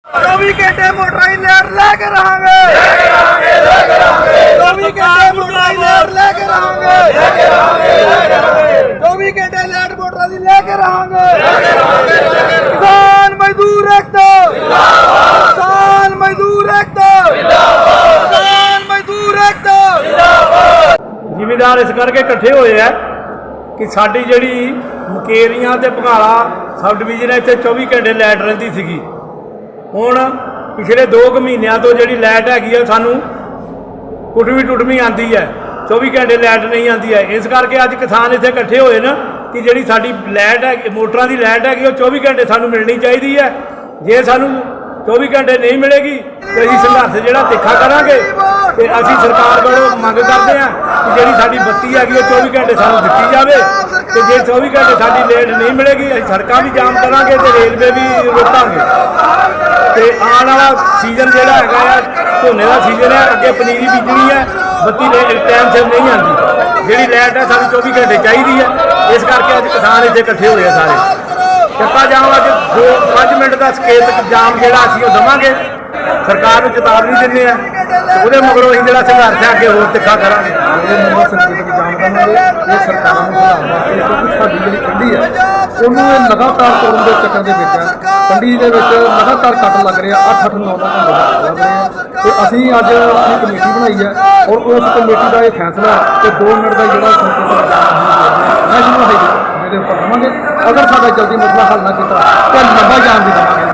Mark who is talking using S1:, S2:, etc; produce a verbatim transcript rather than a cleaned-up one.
S1: चौबीस घंटे मोटराई लेट लेके रहेंगे, चौबीस घंटे मोटराई लेट लेके रहेंगे, चौबीस घंटे लेट मोटराई लेके रहेंगे। किसान मजदूर एकता, किसान मजदूर एकता, किसान मजदूर एकता।
S2: ਜ਼ਿਮੀਂਦਾਰ ਇਸ ਕਰਕੇ ਇਕੱਠੇ ਹੋਏ ਆ ਕਿ ਸਾਡੀ ਜਿਹੜੀ ਮੁਕੇਰੀਆਂ ਤੇ ਭਗਾਲਾ ਸਬ ਡਿਵੀਜ਼ਨ ਇੱਥੇ ਚੌਵੀ ਘੰਟੇ ਲਾਈਟ ਰਹਿੰਦੀ ਸੀਗੀ। ਹੁਣ ਪਿਛਲੇ ਦੋ ਕੁ ਮਹੀਨਿਆਂ ਤੋਂ ਜਿਹੜੀ ਲਾਈਟ ਹੈਗੀ ਆ ਸਾਨੂੰ ਕੁੱਟਵੀਂ ਟੁੱਟਵੀਂ ਆਉਂਦੀ ਹੈ, ਚੌਵੀ ਘੰਟੇ ਲਾਈਟ ਨਹੀਂ ਆਉਂਦੀ ਹੈ। ਇਸ ਕਰਕੇ ਅੱਜ ਕਿਸਾਨ ਇੱਥੇ ਇਕੱਠੇ ਹੋਏ ਨਾ ਕਿ ਜਿਹੜੀ ਸਾਡੀ ਲਾਈਟ ਹੈ, ਮੋਟਰਾਂ ਦੀ ਲਾਈਟ ਹੈਗੀ ਉਹ ਚੌਵੀ ਘੰਟੇ ਸਾਨੂੰ ਮਿਲਣੀ ਚਾਹੀਦੀ ਹੈ। ਜੇ ਸਾਨੂੰ ਚੌਵੀ ਘੰਟੇ ਨਹੀਂ ਮਿਲੇਗੀ ਤੇ ਅਸੀਂ ਸੰਘਰਸ਼ ਜਿਹੜਾ ਤਿੱਖਾ ਕਰਾਂਗੇ ਤੇ ਅਸੀਂ ਸਰਕਾਰ ਕੋਲੋਂ ਮੰਗ ਕਰਦੇ ਹਾਂ ਕਿ ਜਿਹੜੀ ਸਾਡੀ ਬੱਤੀ ਹੈਗੀ ਉਹ ਚੌਵੀ ਘੰਟੇ ਸਾਨੂੰ ਦਿੱਤੀ ਜਾਵੇ ਤੇ ਜੇ ਚੌਵੀ ਘੰਟੇ ਸਾਡੀ ਲਾਈਟ ਨਹੀਂ ਮਿਲੇਗੀ ਅਸੀਂ ਸੜਕਾਂ ਵੀ ਜਾਮ ਕਰਾਂਗੇ ਤੇ ਰੇਲਵੇ ਵੀ ਰੋਕਾਂਗੇ। ਤੇ ਆਉਣ ਵਾਲਾ ਸੀਜ਼ਨ ਜਿਹੜਾ ਹੈਗਾ ਆ ਝੋਨੇ ਦਾ ਸੀਜ਼ਨ ਹੈ, ਅੱਗੇ ਪਨੀਰੀ ਬੀਜਣੀ ਹੈ, ਬੱਤੀ ਟਾਈਮ ਸਿਰ ਨਹੀਂ ਆਉਂਦੀ, ਜਿਹੜੀ ਲਾਈਟ ਹੈ ਸਾਨੂੰ ਚੌਵੀ ਘੰਟੇ ਚਾਹੀਦੀ ਹੈ। ਇਸ ਕਰਕੇ ਅੱਜ ਕਿਸਾਨ ਇੱਥੇ ਇਕੱਠੇ ਹੋਏ ਆ ਸਾਰੇ। ਚੱਕਾ ਜਾਮ ਅੱਜ ਦੋ ਪੰਜ ਮਿੰਟ ਦਾ ਸਕੇਤ ਜਾਮ ਜਿਹੜਾ ਅਸੀਂ ਉਹ ਦੇਵਾਂਗੇ, ਸਰਕਾਰ ਨੂੰ ਚੇਤਾਵਨੀ ਦਿੰਦੇ ਆ, ਉਹਦੇ ਮਗਰੋਂ ਅਸੀਂ ਜਿਹੜਾ ਸੰਘਰਸ਼ ਹੈ ਅੱਗੇ ਹੋਰ ਤਿੱਖਾ ਕਰਾਂਗੇ।
S3: ਇਹ ਸਰਕਾਰਾਂ ਨੂੰ ਬਣਾਉਣ ਵਾਸਤੇ ਕਿਉਂਕਿ ਸਾਡੀ ਜਿਹੜੀ ਕੰਢੀ ਹੈ ਉਹਨੂੰ ਇਹ ਲਗਾਤਾਰ ਤੋੜਨ ਦੇ ਚੱਕਰ ਦੇ ਵਿੱਚ ਹੈ। ਕੰਢੀ ਦੇ ਵਿੱਚ ਲਗਾਤਾਰ ਕੱਟ ਲੱਗ ਰਿਹਾ, ਅੱਠ ਅੱਠ ਨੌ ਨੌ ਘੰਟੇ ਲੱਗ ਰਹੇ ਆ ਤੇ ਅਸੀਂ ਅੱਜ ਆਪਣੀ ਕਮੇਟੀ ਬਣਾਈ ਹੈ ਔਰ ਉਸ ਕਮੇਟੀ ਦਾ ਇਹ ਫੈਸਲਾ ਕਿ ਦੋ ਮਿੰਟ ਦਾ ਜਿਹੜਾ ਸੰਕਟ ਨੈਸ਼ਨਲ ਹਾਈਵੇ ਦੇ ਉੱਪਰ ਦੇਵਾਂਗੇ। ਅਗਰ ਸਾਡਾ ਜਲਦੀ ਮਸਲਾ ਹੱਲ ਨਾ ਕੀਤਾ ਤਾਂ ਲੰਬਾ ਜਾਣ ਦੀ ਦੇਵਾਂਗੇ।